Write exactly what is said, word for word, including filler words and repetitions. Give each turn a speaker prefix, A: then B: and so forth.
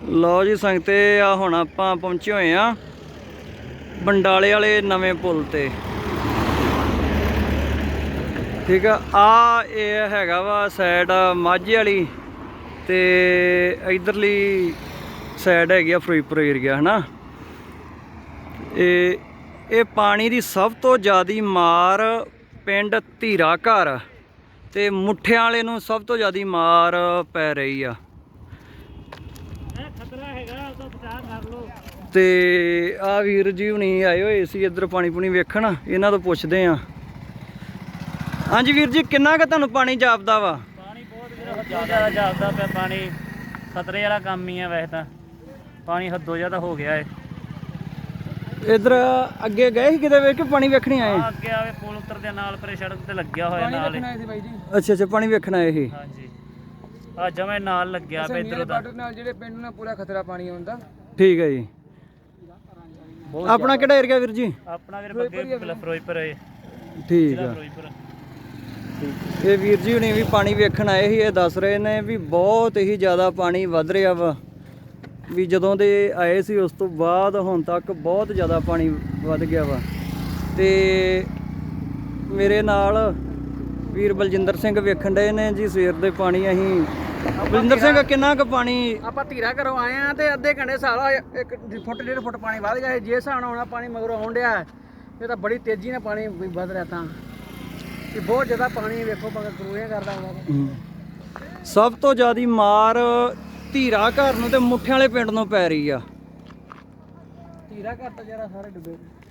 A: ਲਓ ਜੀ ਸੰਗਤੇ ਆ ਹੁਣ ਆਪਾਂ ਪਹੁੰਚੇ ਹੋਏ ਆ ਬੰਡਾਲੇ ਵਾਲੇ ਨਵੇਂ ਪੁਲ ਤੇ। ਠੀਕ ਆ, ਆ ਇਹ ਹੈਗਾ ਵਾ ਸਾਈਡ ਮਾਝੇ ਵਾਲੀ ਤੇ ਇਧਰਲੀ ਸਾਈਡ ਹੈਗੀ ਆ ਫਿਰੋਜ਼ਪੁਰ ਏਰੀਆ ਹੈ ਨਾ। ਇਹ ਇਹ ਪਾਣੀ ਦੀ ਸਭ ਤੋਂ ਜ਼ਿਆਦਾ ਮਾਰ ਪਿੰਡ ਧੀਰਾ ਘਰ ਤੇ ਮੁੱਠਿਆਂ ਵਾਲੇ ਨੂੰ ਸਭ ਤੋਂ ਜ਼ਿਆਦਾ ਮਾਰ ਪੈ ਰਹੀ ਆ। ਤੇ ਆ ਵੀਰ ਜੀ ਹੁਣੀ ਆਏ ਹੋਏ ਸੀ ਇੱਧਰ ਪਾਣੀ ਪੂਣੀ ਵੇਖਣ, ਇਹਨਾਂ ਤੋਂ ਪੁੱਛਦੇ ਆ। ਹਾਂਜੀ ਵੀਰ ਜੀ, ਕਿੰਨਾ ਕੁ ਤੁਹਾਨੂੰ ਪਾਣੀ ਜਾਪਦਾ ਵਾ?
B: ਪਾਣੀ ਬਹੁਤ ਜ਼ਿਆਦਾ ਜਾਪਦਾ ਪਿਆ, ਪਾਣੀ ਖਤਰੇ ਵਾਲਾ ਕੰਮ ਹੀ ਆ। ਵੈਸੇ ਤਾਂ ਪਾਣੀ ਹੱਦੋਂ ਜ਼ਿਆਦਾ ਹੋ ਗਿਆ ਏ।
A: ਇੱਧਰ ਅੱਗੇ ਗਏ ਸੀ ਕਿਤੇ ਵੇਖ ਕੇ ਪਾਣੀ ਵੇਖਣੀ ਆਏ?
B: ਅੱਗੇ ਆਵੇ ਪੁਲ ਉੱਤਰ ਦੇ ਨਾਲ ਪਰੇ ਸੜਕ ਤੇ ਲੱਗਿਆ ਹੋਇਆ ਨਾਲ।
A: ਅੱਛਾ ਅੱਛਾ, ਪਾਣੀ ਵੇਖਣ ਆਏ ਸੀ।
B: ਹਾਂਜੀ, ਆ ਜਮੇ ਨਾਲ ਲੱਗਿਆ ਪਿਆ ਇੱਧਰ ਦਾ
C: ਨਾਲ ਜਿਹੜੇ ਪਿੰਡ ਨਾਲ ਪੂਰਾ ਖਤਰਾ ਪਾਣੀ ਆਉਂਦਾ।
A: ਠੀਕ ਹੈ ਜੀ। ਆਪਣਾ ਕਿਹੜਾ ਏਰੀਆ ਵੀਰ ਜੀ?
B: ਆਪਣਾ ਵੀਰ ਬੱਗੇ ਫਿਰੋਜ਼ਪੁਰ ਹੈ।
A: ਠੀਕ ਆ। ਇਹ ਵੀਰ ਜੀ ਹੁਣੀ ਵੀ ਪਾਣੀ ਵੇਖਣ ਆਏ ਸੀ। ਇਹ ਦੱਸ ਰਹੇ ਨੇ ਵੀ ਬਹੁਤ ਹੀ ਜ਼ਿਆਦਾ ਪਾਣੀ ਵੱਧ ਰਿਹਾ ਵਾ, ਵੀ ਜਦੋਂ ਦੇ ਆਏ ਸੀ ਉਸ ਤੋਂ ਬਾਅਦ ਹੁਣ ਤੱਕ ਬਹੁਤ ਜ਼ਿਆਦਾ ਪਾਣੀ ਵੱਧ ਗਿਆ ਵਾ। ਤੇ ਮੇਰੇ ਨਾਲ ਵੀਰ ਬਲਜਿੰਦਰ ਸਿੰਘ ਵੇਖਣ ਡਏ ਨੇ ਜੀ ਸਵੇਰ ਦੇ ਪਾਣੀ। ਅਸੀਂ ਬਲਜਿੰਦਰ ਸਿੰਘ, ਕਿੰਨਾ ਕੁ ਪਾਣੀ?
C: ਆਪਾਂ ਧੀਰਾ ਘਰੋਂ ਆਏ ਆ ਤੇ ਅੱਧੇ ਘੰਟੇ ਸਾਲਾ ਇੱਕ ਫੁੱਟ ਡੇਢ ਫੁੱਟ ਪਾਣੀ ਵੱਧ ਗਿਆ। ਜੇ ਹਿਸਾਬ ਨਾਲ ਆਉਣਾ ਪਾਣੀ ਮਗਰੋਂ ਆਉਣ ਡਿਆ, ਇਹ ਤਾਂ ਬੜੀ ਤੇਜ਼ੀ ਨਾਲ ਪਾਣੀ ਵੱਧ ਰਿਹਾ। ਤਾਂ ਇਹ ਬਹੁਤ ਜ਼ਿਆਦਾ ਪਾਣੀ ਵੇਖੋ ਕਰੂਏ ਕਰਦਾ ਹੁੰਦਾ।
A: ਸਭ ਤੋਂ ਜ਼ਿਆਦਾ ਮਾਰ ਧੀਰਾ ਘਰ ਨੂੰ ਤੇ ਮੁੱਠਿਆਂ ਵਾਲੇ ਪਿੰਡ ਨੂੰ ਪੈ ਰਹੀ ਆ।
C: ਧੀਰਾ ਘਰ ਤਾਂ ਜਰਾ ਸਾਰੇ ਡੁੱਬੇ।